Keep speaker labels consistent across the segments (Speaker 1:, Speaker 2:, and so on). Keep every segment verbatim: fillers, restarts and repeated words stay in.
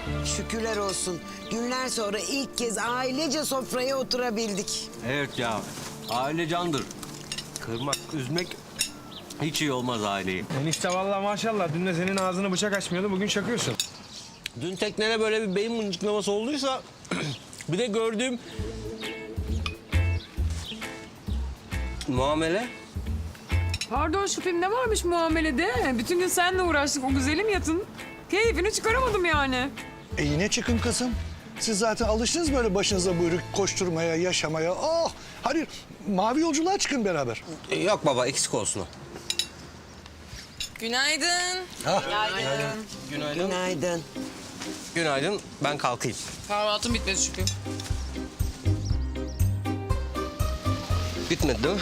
Speaker 1: Şükürler olsun. Günler sonra ilk kez ailece sofraya oturabildik.
Speaker 2: Evet ya, aile candır. Kırmak, üzmek hiç iyi olmaz aileyi.
Speaker 3: Enişte vallahi maşallah dün de senin ağzını bıçak açmıyordu, bugün çakıyorsun.
Speaker 2: Dün teknene böyle bir beyin mıncıklaması olduysa... bir de gördüğüm... muamele.
Speaker 4: Pardon şu filmde varmış muamelede. Bütün gün seninle uğraştık o güzelim yatın. Keyfini çıkaramadım yani.
Speaker 5: E yine çıkın kızım. Siz zaten alıştınız böyle başınıza buyruk koşturmaya, yaşamaya. Oh! Hadi mavi yolculuğa çıkın beraber.
Speaker 2: Ee, Yok baba, eksik olsun o.
Speaker 6: Günaydın.
Speaker 2: Günaydın.
Speaker 1: Günaydın.
Speaker 2: Günaydın, ben kalkayım.
Speaker 6: Kahvaltım bitmedi çünkü.
Speaker 2: Bitmedi değil mi?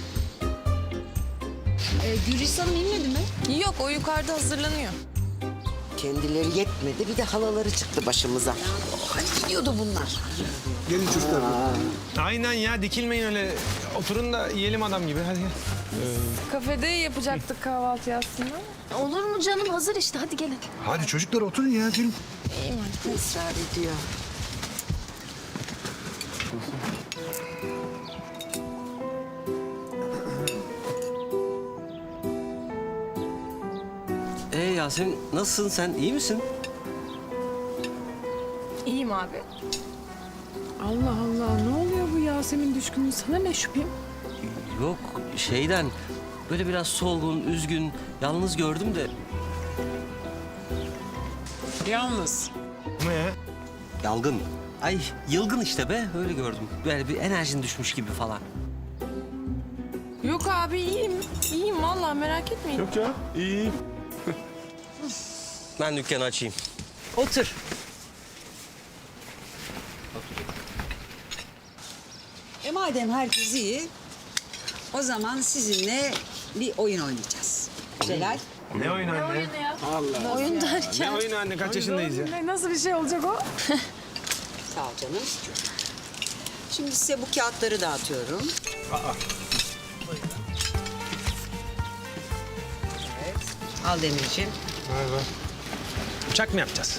Speaker 7: Ee, Gülristan'ım inmedi mi?
Speaker 6: Yok, o yukarıda hazırlanıyor.
Speaker 1: Kendileri yetmedi, bir de halaları çıktı başımıza. Hani gidiyordu bunlar.
Speaker 5: Gelin çocuklar.
Speaker 3: Aynen ya, dikilmeyin öyle. Oturun da yiyelim adam gibi, hadi gel.
Speaker 6: Kafede yapacaktık kahvaltı aslında.
Speaker 7: Olur mu canım? Hazır işte. Hadi gelin.
Speaker 5: Hadi çocuklar oturun ya, gelin.
Speaker 1: Israr ediyor.
Speaker 2: Ee Yasemin, nasılsın sen, iyi misin?
Speaker 6: İyiyim abi.
Speaker 4: Allah Allah ne oluyor bu Yasemin düşkünlüğü sana ne şüphem?
Speaker 2: Yok, şeyden... böyle biraz solgun, üzgün, yalnız gördüm de...
Speaker 4: Yalnız.
Speaker 3: Ne ya?
Speaker 2: Yalgın. Ay, yılgın işte be, öyle gördüm. Böyle bir enerjin düşmüş gibi falan.
Speaker 6: Yok abi iyiyim. İyiyim vallahi merak etmeyin.
Speaker 3: Yok ya, iyi.
Speaker 2: Ben dükkanı açayım.
Speaker 1: Otur.
Speaker 8: E madem herkes iyi, o zaman sizinle bir oyun oynayacağız. Celal,
Speaker 3: Ne oyun anne?
Speaker 6: Oyun derken.
Speaker 3: Ne oyun anne, kaç yaşındayız ya?
Speaker 4: Ne, nasıl bir şey olacak o?
Speaker 8: sağ ol canım. Şimdi size bu kağıtları dağıtıyorum. Evet. Al Demirciğim.
Speaker 3: Uçak mı yapacağız?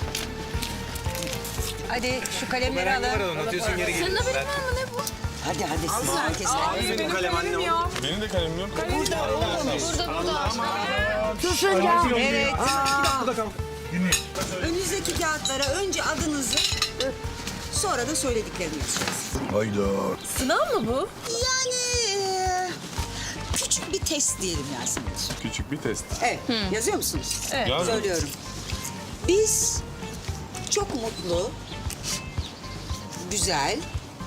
Speaker 8: Hadi şu kalemleri alın.
Speaker 3: Atıyorsun geri
Speaker 6: Senin haberin var mı ne bu?
Speaker 1: Hadi hadi siz herkes.
Speaker 3: Benim kalem anne
Speaker 4: ya.
Speaker 3: Benim de kalemim yok.
Speaker 8: Burada oğlum.
Speaker 6: Burada burada.
Speaker 8: Evet.
Speaker 3: Bu da kalk.
Speaker 8: Önünüzdeki kağıtlara önce adınızı, sonra da söylediklerinizi yazacaksınız.
Speaker 5: Hayda.
Speaker 6: Sınav mı bu?
Speaker 8: Yani e, küçük bir test diyelim Yasemin'ciğim.
Speaker 9: Küçük bir test.
Speaker 8: Evet. Yazıyor musunuz?
Speaker 6: Evet.
Speaker 9: Yazdım.
Speaker 8: Söylüyorum. Biz çok mutlu, güzel,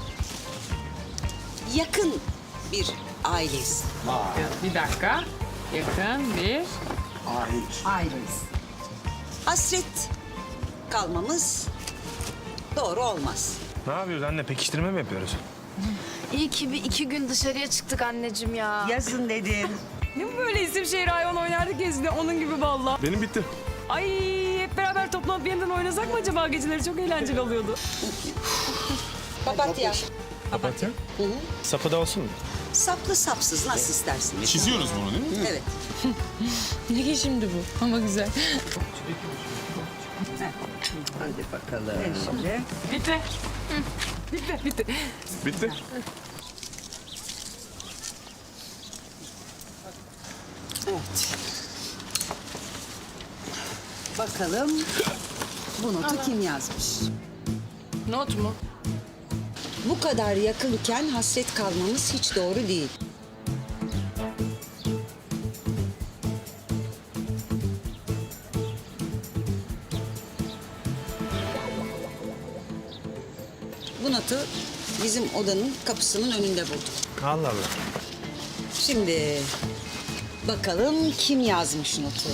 Speaker 8: yakın bir aileyiz.
Speaker 4: Bir dakika. Yakın bir.
Speaker 8: Aileyiz. Hasret kalmamız doğru olmaz.
Speaker 3: Ne yapıyoruz anne, pekiştirme mi yapıyoruz?
Speaker 7: İyi ki bir iki gün dışarıya çıktık anneciğim ya.
Speaker 1: Yazın dedim.
Speaker 4: Ne bu böyle isim şehir hayvan oynardık gezide onun gibi valla.
Speaker 9: Benim bitti.
Speaker 4: Ay hep beraber toplanıp yeniden oynasak mı acaba geceleri çok eğlenceli oluyordu.
Speaker 8: Papatya.
Speaker 9: Papatya.
Speaker 3: Sapı da olsun mu?
Speaker 8: Saplı sapsız nasıl istersiniz?
Speaker 9: Çiziyoruz bunu değil mi?
Speaker 8: Evet.
Speaker 6: Ne ki şimdi bu? Ama güzel.
Speaker 1: Hadi bakalım.
Speaker 8: Şimdi
Speaker 4: Bitti. Bitti. Bitti.
Speaker 9: Bitti.
Speaker 8: evet. Bakalım bu notu kim yazmış?
Speaker 6: Not mu?
Speaker 8: Bu kadar yakınken hasret kalmamız hiç doğru değil. Bu notu bizim odanın kapısının önünde bulduk.
Speaker 3: Allah Allah.
Speaker 8: Şimdi bakalım kim yazmış notu?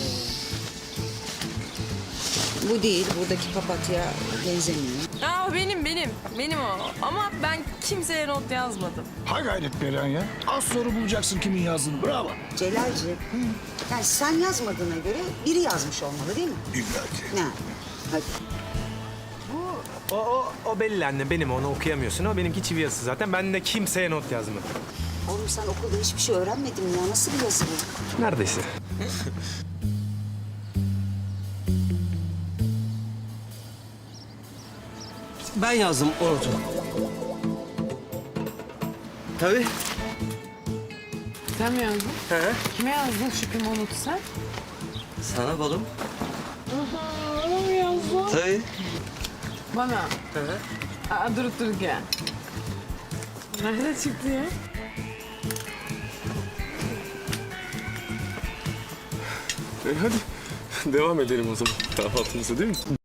Speaker 8: Bu değil, buradaki papatya benzemiyor.
Speaker 6: Aa benim benim. Benim o. Ama ben kimseye not yazmadım.
Speaker 5: Ha gayret Perihan ya. Az sonra bulacaksın kimin yazdığını. Bravo.
Speaker 8: Celalciğim, yani sen yazmadığına göre biri yazmış olmalı değil mi?
Speaker 5: İlla ki.
Speaker 8: Ne? Hadi.
Speaker 3: O, o, o belli anne, benim, onu okuyamıyorsun. O benimki çivi yazısı zaten. Ben de kimseye not yazmadım.
Speaker 8: Oğlum sen okulda hiçbir şey öğrenmedin mi ya? Nasıl bir yazı bu?
Speaker 3: Neredeyse.
Speaker 2: Ben yazdım o notu. Tabii.
Speaker 4: Sen mi yazdın?
Speaker 2: He.
Speaker 4: Kime yazdın Şükrü'nün o notu sen?
Speaker 2: Sana balım.
Speaker 4: Bana mı yazdın?
Speaker 2: Tabii.
Speaker 4: Bana.
Speaker 2: Hı hı.
Speaker 4: Aa, durup dururken. Nerede çıktı ya?
Speaker 9: E hadi devam edelim o zaman kahvaltımıza değil mi?